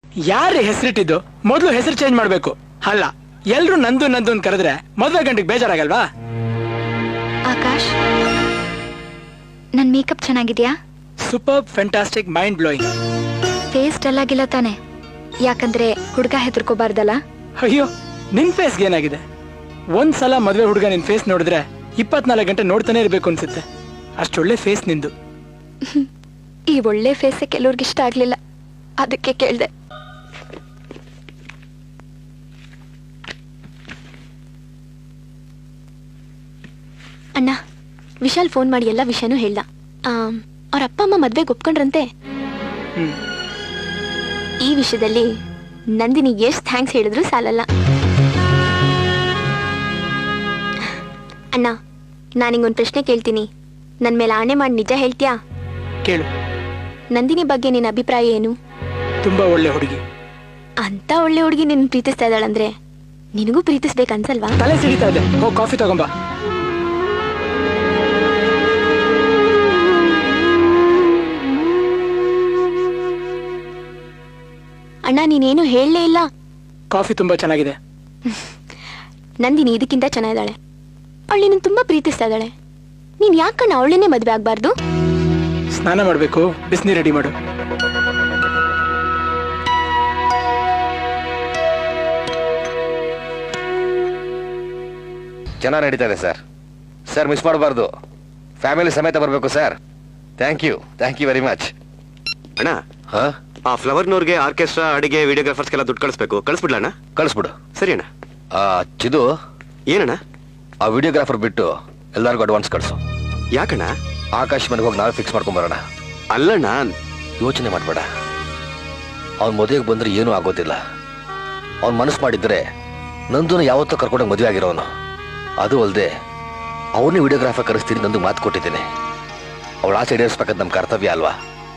ಯಾರೇ ಹೆಸರಿಟ್ಟಿದ್ದು ಮೊದಲು ಹೆಸರು ಚೇಂಜ್ ಮಾಡ್ಬೇಕು. ಅಲ್ಲ ಎಲ್ರು ನಂದು ನಂದು ಅಂತ ಕರೆದ್ರೆ ಮದ್ವೆ ಗಂಟೆಗೆ ಬೇಜಾರಾಗಲ್ವಾ? ಆಕಾಶ್, ನನ್ ಮೇಕಪ್ ಚೆನ್ನಾಗಿದ್ಯಾ? Super, fantastic, mind blowing. Face dull ಆಗಿಲ್ಲ ತಾನೆ? ಯಾಕಂದ್ರೆ ಹುಡುಗ ಹೆದರ್ಕೋಬಾರ್ದಲ್ಲ. ಅಯ್ಯೋ, ನಿನ್ ಫೇಸ್ಗೆ ಏನಾಗಿದೆ? ಒಂದ್ಸಲ ಮದ್ವೆ ಹುಡುಗ ನಿನ್ ಫೇಸ್ ನೋಡಿದ್ರೆ 24 ಗಂಟೆ ನೋಡ್ತಾನೆ ಇರ್ಬೇಕು ಅನ್ಸುತ್ತೆ. ಅಷ್ಟೊಳ್ಳೆ ಫೇಸ್ ನಿಂದು. ಈ ಒಳ್ಳೆ ಫೇಸ್ ಕೆಲವ್ರಿಗೆ ಇಷ್ಟ ಆಗ್ಲಿಲ್ಲ, ಅದಕ್ಕೆ ಕೇಳ್ದೆ. ಅಣ್ಣ, ವಿಶಾಲ್ ಫೋನ್ ಮಾಡಿ ಎಲ್ಲ ವಿಷಯನೂ ಹೇಳ್ದ. ಅವ್ರ ಅಪ್ಪ ಅಮ್ಮ ಮದ್ವೆಗೆ ಒಪ್ಕೊಂಡ್ರಂತೆ. ಈ ವಿಷಯದಲ್ಲಿ ನಂದಿನಿ ಎಷ್ಟು ಥ್ಯಾಂಕ್ಸ್ ಹೇಳಿದ್ರು ಸಾಲಲ್ಲ. ಅಣ್ಣ, ನಾನಿಗೊಂದು ಪ್ರಶ್ನೆ ಕೇಳ್ತೀನಿ, ನನ್ ಮೇಲೆ ಆಣೆ ಮಾಡಿ ನಿಜ ಹೇಳ್ತೀಯಾ? ಕೇಳು. ನಂದಿನಿ ಬಗ್ಗೆ ನಿನ್ನ ಅಭಿಪ್ರಾಯ ಏನು? ತುಂಬಾ ಒಳ್ಳೆ ಹುಡುಗಿ. ಅಂತ ಒಳ್ಳೆ ಹುಡುಗಿ ನಿನ್ನ ಪ್ರೀತಿಸ್ತಾ ಇದ್ದಾಳಂದ್ರೆ ನಿನಗೂ ಪ್ರೀತಿಸ್ಬೇಕನ್ಸಲ್ವಾ? ತಲೆ ಸಿಡಿತಾ ಇದೆ, ಹೋಗಿ ಕಾಫಿ ತಗೊಂಬಾ. ಅಣ್ಣ, ನೀನೇನು ಹೇಳಲೇ ಇಲ್ಲ. ಕಾಫಿ ತುಂಬಾ ಚೆನ್ನಾಗಿದೆ. ನಂದಿನಿ ಇದಕ್ಕಿಂತ ಚೆನ್ನಾಗಿದ್ದಾಳೆ. ಅವಳು ನಿನ್ನ ತುಂಬಾ ಪ್ರೀತಿಸ್ತಾ ಇದ್ದಾಳೆ. ನೀನ್ ಯಾಕಣ್ಣ ಅವಳನ್ನೇ ಮದ್ವೆ ಆಗ್ಬಾರ್ದು? ಸ್ನಾನ ಮಾಡ್ಬೇಕು, ಬಿಸಿನೀರು ರೆಡಿ ಮಾಡು. ಚೆನ್ನಾಗಿ ನಡೀತಾ ಇದೆ ಸರ್. ಸರ್, ಮಿಸ್ ಮಾಡಬಾರ್ದು, ಫ್ಯಾಮಿಲಿ ಸಮೇತ ಬರಬೇಕು sir. Thank you very much. ಅಣ್ಣ, ಆ ಫ್ಲವರ್ನವ್ರಿಗೆ ಆರ್ಕೆಸ್ಟ್ರಾ, ಅಡಿಗೆ, ವಿಡಿಯೋಗ್ರಾಫರ್ಸ್ಗೆಲ್ಲ ದುಡ್ಡು ಕಳಿಸ್ಬೇಕು. ಕಳಿಸ್ಬಿಡ್ಲ ಅಣ್ಣ? ಕಳಿಸ್ಬಿಡು. ಸರಿ ಅಣ್ಣ. ಚಿದು, ಏನಣ್ಣ? ಆ ವಿಡಿಯೋಗ್ರಾಫರ್ ಬಿಟ್ಟು ಎಲ್ಲರಿಗೂ ಅಡ್ವಾನ್ಸ್ ಕಳಿಸು. ಯಾಕಣ್ಣ? ಆಕಾಶ್ ಮನೆಗೆ ಹೋಗಿ ನಾವೇ ಫಿಕ್ಸ್ ಮಾಡ್ಕೊಂಬರೋಣ. ಅಲ್ಲಣ್ಣ, ಯೋಚನೆ ಮಾಡಬೇಡ. ಅವ್ನ ಮದುವೆಗೆ ಬಂದ್ರೆ ಏನೂ ಆಗೋದಿಲ್ಲ. ಅವ್ನ ಮನಸ್ಸು ಮಾಡಿದ್ರೆ ನಂದೂನ ಯಾವತ್ತೂ ಕರ್ಕೊಂಡೋಗಿ ಮದುವೆ ಆಗಿರೋನು. ಅದು ಅಲ್ಲದೆ ಅವನೇ ವಿಡಿಯೋಗ್ರಾಫರ್ ಕರೆಸ್ತೀನಿ, ನಂದು ಮಾತು ಕೊಟ್ಟಿದ್ದೀನಿ. ಅವಳ ಆಸೆ ಈಡೇರಿಸ್ಬೇಕಂತ ನಮ್ಮ ಕರ್ತವ್ಯ ಅಲ್ವಾ?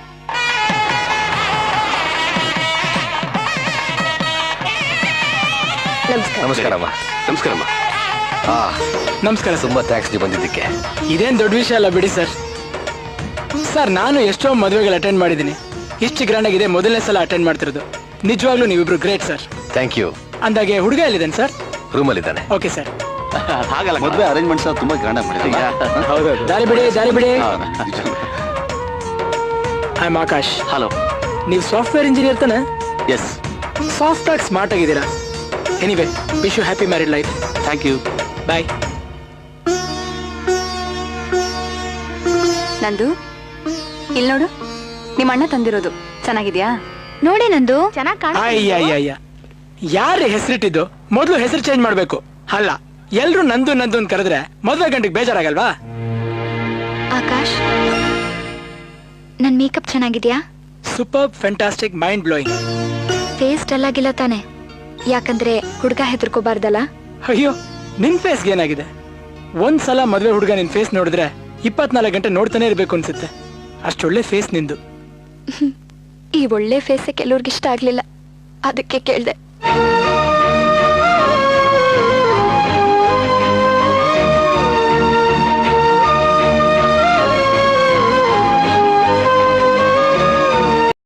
ನಮಸ್ಕಾರಮ್ಮ. ನಮಸ್ಕಾರಮ್ಮ. ನಮಸ್ಕಾರ. ತುಂಬಾ ಥ್ಯಾಂಕ್ಸ್ ನೀವು ಬಂದಿದ್ದಕ್ಕೆ. ಇದೇನ್ ದೊಡ್ಡ ವಿಷಯ ಅಲ್ಲ ಬಿಡಿ ಸರ್. ಸರ್, ನಾನು ಎಷ್ಟೋ ಮದುವೆಗಳು ಅಟೆಂಡ್ ಮಾಡಿದ್ದೀನಿ. ಇಷ್ಟು ಗ್ರ್ಯಾಂಡ್ ಆಗಿದೆ ಮೊದಲನೇ ಸಲ ಅಟೆಂಡ್ ಮಾಡ್ತಿರೋದು. ನಿಜವಾಗ್ಲೂ ನೀವಿಬ್ರು ಗ್ರೇಟ್ ಸರ್. Thank you. ಅಂದಾಗೆ ಹುಡುಗ ಎಲ್ಲಿದ್ದಾನೆ ಸರ್? ರೂಮಲ್ಲಿ ಇದ್ದಾನೆ. Okay sir. ಹಾಗಲ್ಲ, ಮದುವೆ ಅರೇಂಜ್ಮೆಂಟ್ಸ್ ತುಂಬಾ ಗ್ರ್ಯಾಂಡ್ ಆಗಿ ಮಾಡಿದ್ದೀವಿ. ದಾರಿ ಬಿಡಿ. I am Akash. ಹಲೋ. ನೀವು ಸಾಫ್ಟ್ವೇರ್ ಇಂಜಿನಿಯರ್ ತಾನೆ? ಎಸ್. ಸಾಫ್ಟ್ ಆಗಿ ಸ್ಮಾರ್ಟ್ ಆಗಿದ್ದೀರಾ. Anyway, wish you happy married life. Thank you. Bye. ನಂದು, ಇಲ್ಲಿ ನೋಡು, ನಿಮ್ಮ ಅಣ್ಣ ತಂದಿರೋದು ಚೆನ್ನಾಗಿದ್ಯಾ? ನೋಡಿ ನಂದು. ಅಯ್ಯ, ಯಾರೇ ಹೆಸರಿಟ್ಟಿದ್ದು ಮೊದಲು ಹೆಸರು ಚೇಂಜ್ ಮಾಡ್ಬೇಕು. ಅಲ್ಲ ಎಲ್ರು ನಂದು ನಂದು ಅಂತ ಕರೆದ್ರೆ ಮದ್ವೆ ಗಂಟೆಗೆ ಬೇಜಾರಾಗಲ್ವಾ? ಆಕಾಶ್, ನನ್ ಮೇಕಪ್ ಚೆನ್ನಾಗಿದ್ಯಾ? Super, fantastic, mind blowing. Face dull ಆಗಿಲ್ಲ ತಾನೆ? ಯಾಕಂದ್ರೆ ಹುಡುಗ ಹೆದರ್ಕೋಬಾರ್ದಲ್ಲ. ಅಯ್ಯೋ, ನಿನ್ ಫೇಸ್ಗೆ ಏನಾಗಿದೆ? ಒಂದ್ಸಲ ಮದ್ವೆ ಹುಡುಗ ನಿನ್ ಫೇಸ್ ನೋಡಿದ್ರೆ 24 ಗಂಟೆ ನೋಡ್ತಾನೆ ಇರ್ಬೇಕು ಅನ್ಸುತ್ತೆ. ಅಷ್ಟೊಳ್ಳೆ ಫೇಸ್ ನಿಂದು. ಈ ಒಳ್ಳೆ ಫೇಸ್ ಕೆಲವ್ರಿಗೆ ಇಷ್ಟ ಆಗ್ಲಿಲ್ಲ, ಅದಕ್ಕೆ ಕೇಳ್ದೆ.